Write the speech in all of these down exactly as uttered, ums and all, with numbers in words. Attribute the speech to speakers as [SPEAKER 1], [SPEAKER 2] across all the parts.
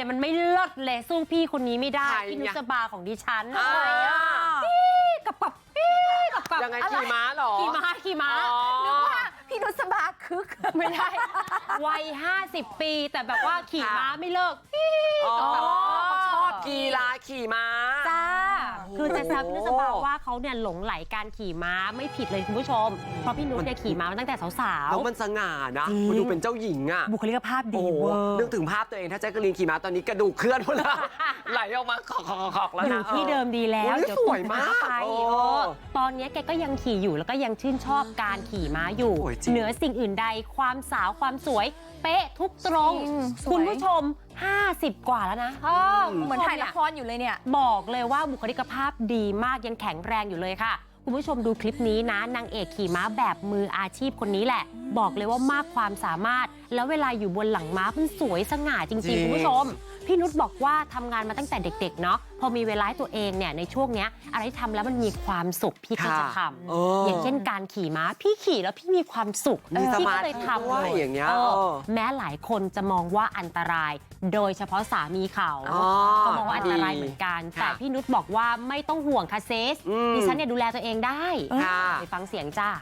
[SPEAKER 1] เนี่ยมันไม่เลิศเลยสู้พี่คนนี้ไม่ได้
[SPEAKER 2] ใคร
[SPEAKER 1] พี่นุ
[SPEAKER 2] เนี่ย
[SPEAKER 1] สบาของดิฉัน
[SPEAKER 2] อ่า
[SPEAKER 1] กับกับปี้กับกับ
[SPEAKER 2] ยังไงขี่ม้าเหรอ
[SPEAKER 1] ขี่ม้าขี่ม้า
[SPEAKER 2] อ๋อ
[SPEAKER 3] นึกว่าพี่นุสบาคึก
[SPEAKER 1] ไม่ได้วัยห้าสิบปีแต่แบบว่าขี่ม้าไม่เลิกปี้
[SPEAKER 2] อ๋อ
[SPEAKER 1] กับกับ
[SPEAKER 2] ชอบกีฬาขี่ม้า
[SPEAKER 1] จ้าคือจะแซวพี่นุสบา
[SPEAKER 2] โอ้
[SPEAKER 1] ว่าเขาเนี่ยหลงไหลการขี่ม้าไม่ผิดเลยคุณผู้ชม เพราะพี่นุชเนี่ยขี่ม้ามาตั้งแต่สาว
[SPEAKER 2] แล้วมันสง่านะ
[SPEAKER 1] จริง
[SPEAKER 2] มันดูเป็นเจ้าหญิงอ่ะ
[SPEAKER 1] ๆบุคลิกภาพ
[SPEAKER 2] โอ้
[SPEAKER 1] ดี
[SPEAKER 2] โห
[SPEAKER 1] เวอร์
[SPEAKER 2] นึกถึงภาพตัวเองถ้าแจ๊กกะลีนขี่ม้าตอนนี้กระดูกเคลื่อนหมดแล้ว ไหลออกมาขอกๆๆแล้ว
[SPEAKER 1] อยู่
[SPEAKER 2] นะ
[SPEAKER 1] ที่เดิมดีแล้ว
[SPEAKER 2] โอ้ย
[SPEAKER 1] เดี๋ยว
[SPEAKER 2] สวยมาก
[SPEAKER 1] ไป
[SPEAKER 2] โอ้
[SPEAKER 1] เออตอนนี้แกก็ยังขี่อยู่แล้วก็ยังชื่นชอบการขี่ม้าอยู่
[SPEAKER 2] โอ้ยจริง
[SPEAKER 1] เหนือสิ่งอื่นใดความสาวความสวย เป๊ะทุกตรง
[SPEAKER 3] จริงสวย
[SPEAKER 1] คุณผู้ชม ห้าสิบ กว่าแล้วนะ
[SPEAKER 3] เหมือนถ่ายละครอยู่เลยเนี่ย
[SPEAKER 1] บอกเลยว่าบุคลิกภาพดีมากยังแข็งแรงอยู่เลยค่ะ คุณผู้ชมดูคลิปนี้นะนางเอกขี่ม้าแบบมืออาชีพคนนี้แหละ บอกเลยว่ามากความสามารถ แล้วเวลาอยู่บนหลังม้ามันสวยสง่าจ
[SPEAKER 2] จริ
[SPEAKER 1] ริง
[SPEAKER 2] ง
[SPEAKER 1] ๆ คุณผู้ชม พี่นุชบอกว่าทำงานมาตั้งแต่เด็กๆเนาะพอมีเวลาให้ตัวเองเนี่ยในช่วงเนี้ยอะไรที่ทำแล้วมันมีความสุขพี่ก็จะท
[SPEAKER 2] เอ
[SPEAKER 1] ำ
[SPEAKER 2] อ
[SPEAKER 1] อย่างเช่นการขี่ม้าพี่ขี่แล้วพี่มีความสุข
[SPEAKER 2] มีส
[SPEAKER 1] พี่
[SPEAKER 2] มา
[SPEAKER 1] ก็
[SPEAKER 2] ธิ
[SPEAKER 1] เลยทำ
[SPEAKER 2] ด้วย
[SPEAKER 1] เลย
[SPEAKER 2] อย่างเงี้ย
[SPEAKER 1] เออ
[SPEAKER 2] เออ
[SPEAKER 1] แม้หลายคนจะมองว่าอันตราย โดยเฉพาะสามีเขา
[SPEAKER 2] อ๋อ
[SPEAKER 1] ก็มองว่าอันตรายเหมือนกัน
[SPEAKER 2] ค่ะ
[SPEAKER 1] แต่พี่นุชบอกว่าไม่ต้องห่วงค่ะเซส
[SPEAKER 2] อืม
[SPEAKER 1] ดิฉันเนี่ยดูแลตัวเองได้
[SPEAKER 2] ค่ะ
[SPEAKER 1] ไปฟังเสียงจ้า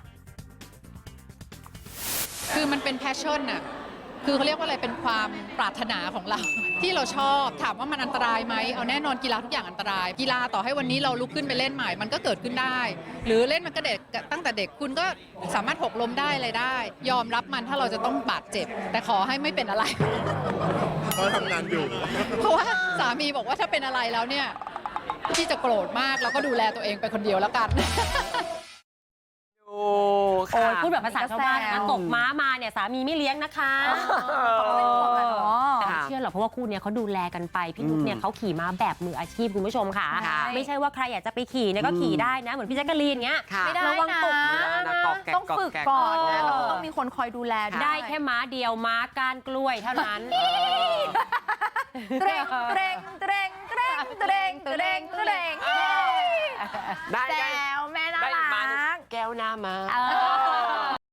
[SPEAKER 4] คือมันเป็นแพชชั่นน่ะ คือเขาเรียกว่าอะไร เป็นความปรารถนาของเรา ที่เราชอบ ถามว่ามันอันตรายไหม เอาแน่นอนกีฬาทุกอย่างอันตราย กีฬาต่อให้วันนี้เราลุกขึ้นไปเล่นใหม่ มันก็เกิดขึ้นได้ หรือเล่นมันก็เด็กตั้งแต่เด็กคุณก็สามารถหกล้มได้อะไรได้ ยอมรับมันถ้าเราจะต้องบาดเจ็บ แต่ขอให้ไม่เป็นอะไร
[SPEAKER 5] ก็ทำงานอยู่
[SPEAKER 4] เพราะว่าสามีบอกว่าถ้าเป็นอะไรแล้วเนี่ยพี่จะโกรธมากแล้วก็ดูแลตัวเองไปคนเดียวแล้วกัน
[SPEAKER 2] โอ้
[SPEAKER 1] โอ้
[SPEAKER 2] ค่ะ
[SPEAKER 1] ยพูดแบบภาษาชาวบ้าน
[SPEAKER 3] แซ
[SPEAKER 1] นะ
[SPEAKER 3] ว
[SPEAKER 1] ตกม้ามาเนี่ยสามีไม่เลี้ยงนะคะ
[SPEAKER 3] เขาเป็นห่วงอะเนาะ
[SPEAKER 1] แต่ไม่เชื่อหรอกเพราะว่าคู่เนี้ยเขาดูแลกันไปพี่นุชเนี่ยเขาขี่ม้าแบบมืออาชีพคุณผู้ชมค่ะ
[SPEAKER 2] ค่ะ
[SPEAKER 1] ไม่ใช่ว่าใครอยากจะไปขี่เนี่ยก็ขี่ได้นะ เหมือนพี่แจ๊กกะลีนเงี้ย
[SPEAKER 2] ค่ะ
[SPEAKER 3] ไม่ได้
[SPEAKER 1] ระวังตก
[SPEAKER 3] นะ
[SPEAKER 1] ม้า
[SPEAKER 2] นะกอกแกก
[SPEAKER 3] ต้องฝึก
[SPEAKER 2] แก
[SPEAKER 3] ก่อนนะ
[SPEAKER 1] เออ
[SPEAKER 3] แล้วก็ต้องมีคนคอยดูแลด้วย
[SPEAKER 1] ได้แค่ม้าเดียวม้าก้านกล้วยเท่านั้น
[SPEAKER 3] เตรงเตรงเตรงเตรงเตรงเตรงเตรง
[SPEAKER 2] ได้
[SPEAKER 3] แซ
[SPEAKER 2] ได้
[SPEAKER 3] วแม่น่า
[SPEAKER 2] ได้อีกมาหนึ่ง
[SPEAKER 3] รัก
[SPEAKER 2] แก้วหน้ามา
[SPEAKER 1] เออ